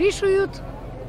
вирішують.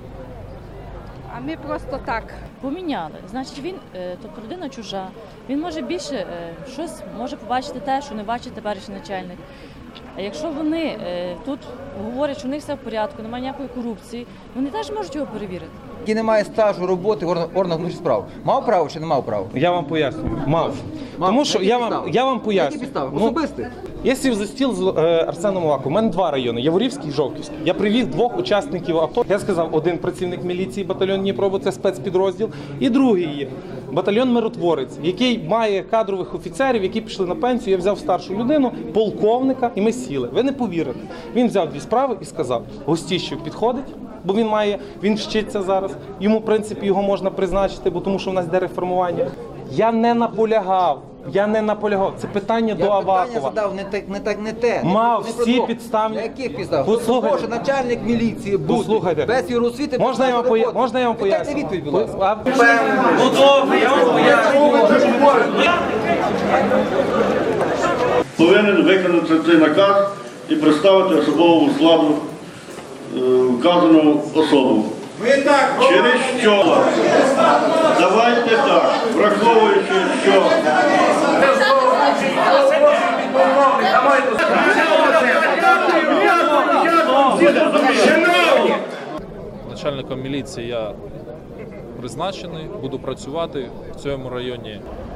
А ми просто так. Поміняли. Значить, він, тобто людина чужа, він може більше щось може побачити те, що не бачить теперішній начальник. А якщо вони тут говорять, що у них все в порядку, немає ніякої корупції, вони теж можуть його перевірити. Який не має стажу роботи в органах внутрішніх справ. Мав право чи не мав права? Я вам поясню. Мав. Тому що я вам поясню. Які підстави? Особисті? Я сів за стіл з Арсеном Аваковим. У мене два райони – Яворівський і Жовківський. Я привіз двох учасників АТО. Я сказав, один працівник міліції, батальйон Дніпро, бо це спецпідрозділ, і другий є батальйон Миротворець, який має кадрових офіцерів, які пішли на пенсію. Я взяв старшу людину, полковника, і ми сіли. Ви не повірите. Він взяв дві справи і сказав, Гостіщев підходить, бо він вчиться зараз. Йому, в принципі, його можна призначити, бо тому що в нас йде реформування. Я не наполягав. Це питання до Авакова. Я питання задав не те. Мав всі підставні. На яких підставах? Послухайте. Може начальник міліції бути без юросвіти. Можна я вам поясню? Дайте відповідь, будь ласка. Ну добре, я вам поясню. Повинен виконати цей наказ і представити особовому складу вказану особу. Через що? Давайте так, враховуючи, що... Начальником міліції я призначений, буду працювати в цьому районі